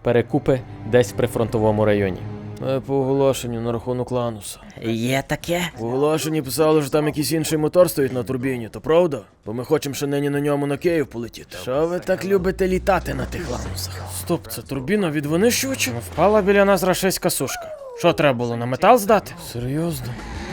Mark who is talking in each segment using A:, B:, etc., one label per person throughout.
A: Перекупи десь в прифронтовому районі. По оголошенню на рахунок Лануса.
B: Є таке?
C: В оголошенні писали, що там якийсь інший мотор стоїть на турбіні, то правда? Бо ми хочемо ще нині на ньому на Київ полетіти. Що ви так любите літати на тих Ланусах? Стоп, це турбіна від винищувача? Впала біля нас рашистська сушка. Що треба було, на метал здати? Серйозно?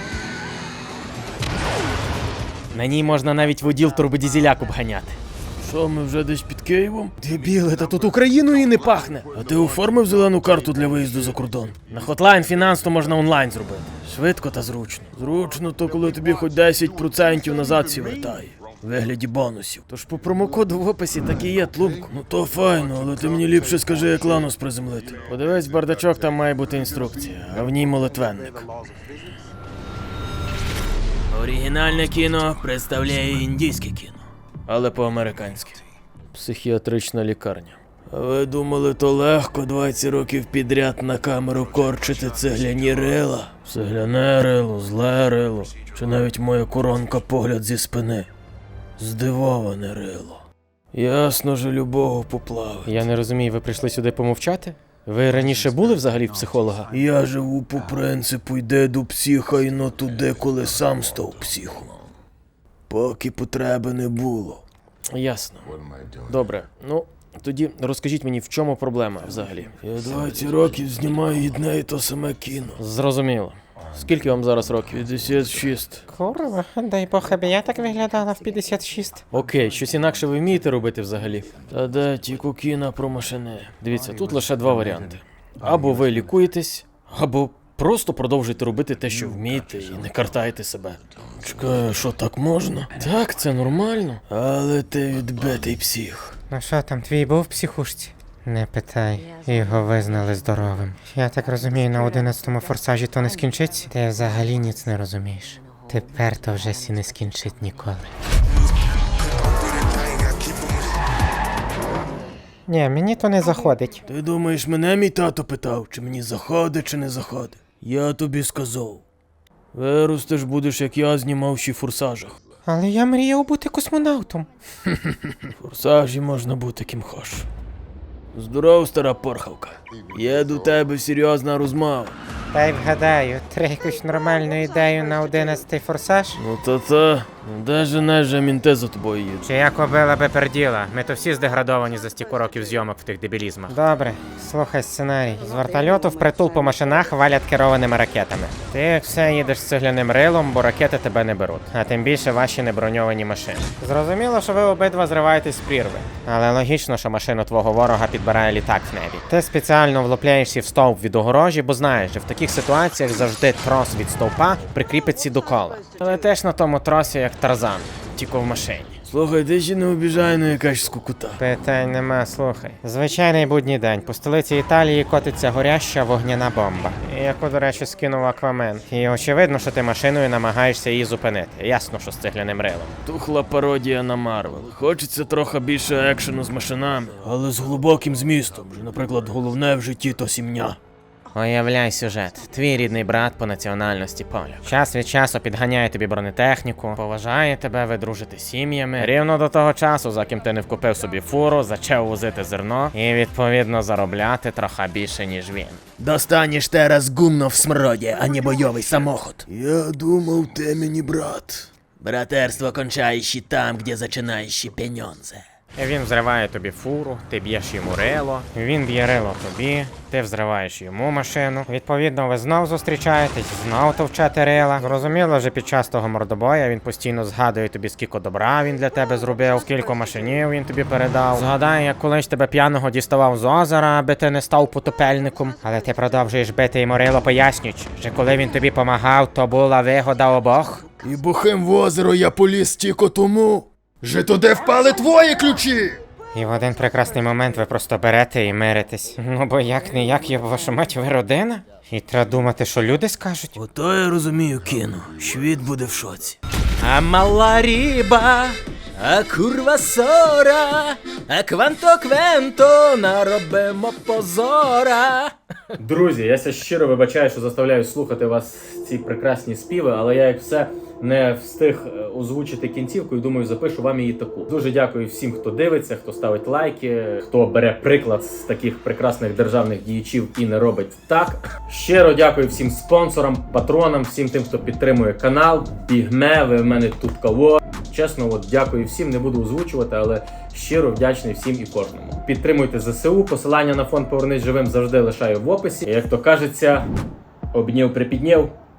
A: На ній можна навіть воділ турбодізеляк обганяти.
C: Що, ми вже десь під Києвом?
A: Дебіле, та тут Україною і не пахне.
C: А ти оформив зелену карту для виїзду за кордон?
A: На Hotline Finance то можна онлайн зробити.
C: Швидко та зручно. Зручно то, коли тобі хоч 10% назад сі вертає. В вигляді бонусів.
A: Тож по промокоду в описі так і є, тлумку.
C: Ну то файно, але ти мені ліпше скажи, як Ланус приземлити.
A: Подивись бардачок, там має бути інструкція, а в ній молитвенник.
C: Оригінальне кіно представляє індійське кіно, але по-американськи.
A: Психіатрична лікарня.
C: А ви думали, то легко 20 років підряд на камеру корчити цегляні рила? Цегляне рило, зле рило, чи навіть моя коронка погляд зі спини. Здивоване рило. Ясно же любого поплавить.
A: Я не розумію, ви прийшли сюди помовчати? Ви раніше були взагалі в психолога?
C: Я живу по принципу йде до психа і но туди, коли сам став психом. Поки потреби не було.
A: Ясно. Добре, ну тоді розкажіть мені, в чому проблема взагалі?
C: Я 20 років знімаю одне і то саме кіно.
A: Зрозуміло. Скільки вам зараз років?
C: 56.
B: Курва, дай Бог, аби я так виглядала в 56.
A: Окей, щось інакше ви вмієте робити взагалі?
C: Та де тільки кіно про машини.
A: Дивіться, тут лише два варіанти. Або ви лікуєтесь, або просто продовжуйте робити те, що вмієте, і не картайте себе.
C: Чекай, що так можна?
A: Так, це нормально.
C: Але ти відбитий псих.
B: Ну що там, твій був в психушці? Не питай, його визнали здоровим. Я так розумію, на 11-му форсажі то не скінчиться? Ти взагалі ніц не розумієш. Тепер то вже сі не скінчить ніколи. Ні, мені то не заходить.
C: Ти думаєш, мене мій тато питав, чи мені заходить, чи не заходить? Я тобі сказав. Виростеш, будеш, як я знімав ще в форсажах.
B: Але я мріяв бути космонавтом.
C: В форсажі можна бути ким хоч. Здоров, стара порхавка. Є до тебе серйозна розмова.
B: Та й вгадаю, треба якусь нормальну ідею на 11-й форсаж?
C: Ну та-та, де женеш же мінти за тобою їдуть?
B: Чи я кобила би перділа? Ми то всі здеградовані за стільки років зйомок в тих дебілізмах. Добре, слухай сценарій. З вертольоту впритул по машинах валять керованими ракетами. Ти як все їдеш з цегляним рилом, бо ракети тебе не беруть. А тим більше ваші неброньовані машини. Зрозуміло, що ви обидва зриваєтесь з прірви. Але логічно, що машину твого ворога підбирає літак в небі. Ти спеціально влупляєшся в стовп від огорожі, бо знаєш, що в таких ситуаціях завжди трос від стовпа прикріпиться до кола. Але теж на тому тросі як Тарзан, тільки в машині.
C: Слухай, ти ще не обіжай на якась скукута.
B: Питань нема, слухай. Звичайний будній день. По столиці Італії котиться горяща вогняна бомба. Яку, до речі, скинув Аквамен. І очевидно, що ти машиною намагаєшся її зупинити. Ясно, що з цегляним рилом.
C: Тухла пародія на Марвел. Хочеться трохи більше екшену з машинами, але з глибоким змістом. Що, наприклад, головне в житті то сім'я.
B: Уявляй сюжет. Твій рідний брат по національності поляк. Час від часу підганяє тобі бронетехніку, поважає тебе, ви дружите сім'ями. Рівно до того часу, за ким ти не вкупив собі фуру, зачав возити зерно і, відповідно, заробляти трохи більше, ніж він.
C: Достанеш тераз гумно в смроді, а не бойовий самоход. Я думав, ти мені брат. Братерство кончаєш і там, де починаєш пеньонзе.
B: Він взриває тобі фуру, ти б'єш йому рило, він б'є рило тобі, ти взриваєш йому машину. Відповідно, ви знов зустрічаєтесь, знов товчете рила. Зрозуміло, що під час того мордобоя він постійно згадує тобі, скільки добра він для тебе зробив, скільки машинів він тобі передав. Згадає, як колись тебе п'яного діставав з озера, аби ти не став потопельником. Але ти продовжуєш бити йому рило, пояснюючи, що коли він тобі помагав, то була вигода обох.
C: І бухим в озеро я поліз тільки тому, що туди впали твої ключі!
B: І в один прекрасний момент ви просто берете і миритесь. Ну бо як є ваша мать, ви родина? І треба думати, що люди скажуть.
C: Ото я розумію кіно. Світ буде в шоці.
A: А мала ріба, а курва сора, а кванто наробимо позора. Друзі, я ся щиро вибачаю, що заставляю слухати вас ці прекрасні співи, але я як все
D: не встиг озвучити кінцівку і думаю, запишу вам її таку. Дуже дякую всім, хто дивиться, хто ставить лайки, хто бере приклад з таких прекрасних державних діячів і не робить так. Щиро дякую всім спонсорам, патронам, всім тим, хто підтримує канал. Бігме, ви в мене тут кого. Чесно, от дякую всім, не буду озвучувати, але щиро вдячний всім і кожному. Підтримуйте ЗСУ, посилання на фонд «Повернись живим» завжди лишаю в описі. І, як то кажеться, обнів припіднів.